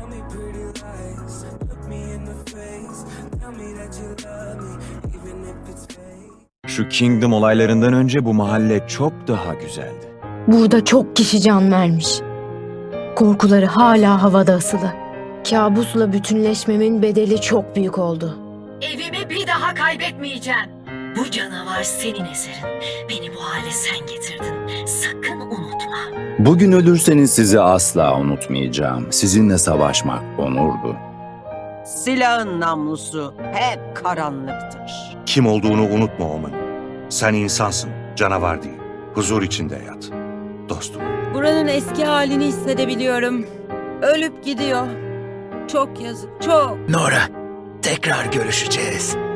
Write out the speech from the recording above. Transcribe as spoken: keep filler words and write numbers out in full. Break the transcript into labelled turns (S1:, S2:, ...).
S1: Şu Kingdom olaylarından önce bu mahalle çok daha güzeldi.
S2: Burada çok kişi can vermiş. Korkuları hala havada asılı. Kabusla bütünleşmemin bedeli çok büyük oldu.
S3: Evimi bir daha kaybetmeyeceğim. Bu canavar senin eserin. Beni bu hale sen getirdin. Sakın unutma.
S4: Bugün ölürseniz sizi asla unutmayacağım. Sizinle savaşmak onurdu.
S5: Silahın namlusu hep karanlıktır.
S6: Kim olduğunu unutma Omen. Sen insansın, canavar değil. Huzur içinde yat. Dostum.
S7: Buranın eski halini hissedebiliyorum. Ölüp gidiyor. Çok yazık, çok.
S8: Nora, tekrar görüşeceğiz.